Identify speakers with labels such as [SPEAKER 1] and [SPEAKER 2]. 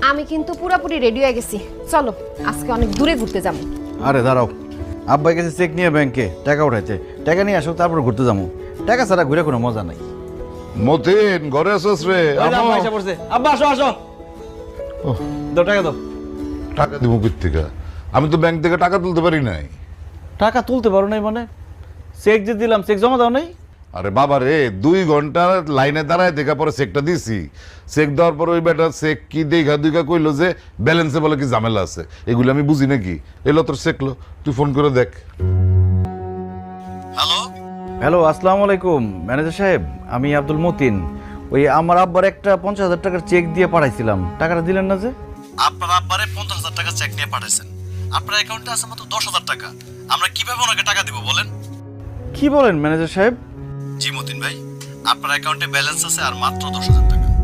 [SPEAKER 1] আমি কিন্তু পুরোপুরি রেডি হয়ে গেছি, চলো আজকে অনেক দূরে ঘুরতে যাবো।
[SPEAKER 2] আরে দাঁড়াও, আব্বাই গেছে চেক নিয়ে ব্যাংকে টাকা উঠাইছে, টাকা নিয়ে আসো তারপর ঘুরতে যাবো। টাকা ছাড়া ঘুরে কোনো মজা নাই।
[SPEAKER 3] মতিন ঘরে আসছ রে?
[SPEAKER 2] আব্বা আসো আসো, দাও টাকা দাও।
[SPEAKER 3] টাকা দিব কোথা থেকে? আমি তো ব্যাংক থেকে টাকা তুলতে পারি নাই।
[SPEAKER 2] টাকা তুলতে পারো নাই মানে? চেক যে দিলাম, চেক জমা দাও নাই?
[SPEAKER 3] আরে বাবা রে, 2 ঘন্টা লাইনে দাঁড়ায় দেখা পরে চেকটা দিছি। চেক দেওয়ার পর ওই বেটা চেক কি দেখা দুইকা কইলো যে ব্যালেন্সে বলে কি ঝামেলা আছে। এগুলো আমি বুঝি নাকি? এলো তোর চেকলো, তুই ফোন করে দেখ।
[SPEAKER 2] হ্যালো, আসসালামু আলাইকুম ম্যানেজার সাহেব, আমি আব্দুল মতিন। ওই আমার আব্বার একটা 50,000 টাকার চেক দিয়ে পাঠাইছিলাম, টাকাটা দিলেন না যে? আপনার আব্বারে 50,000 টাকা চেক নিয়ে পাঠাইছেন, আপনার অ্যাকাউন্টে আছে মাত্র 10,000 টাকা। আমরা কিভাবে ওনাকে টাকা দিব বলেন? কি বলেন ম্যানেজার সাহেব? জি মতিন ভাই, আপনার অ্যাকাউন্টে ব্যালেন্স আছে আর মাত্র 10,000 টাকা।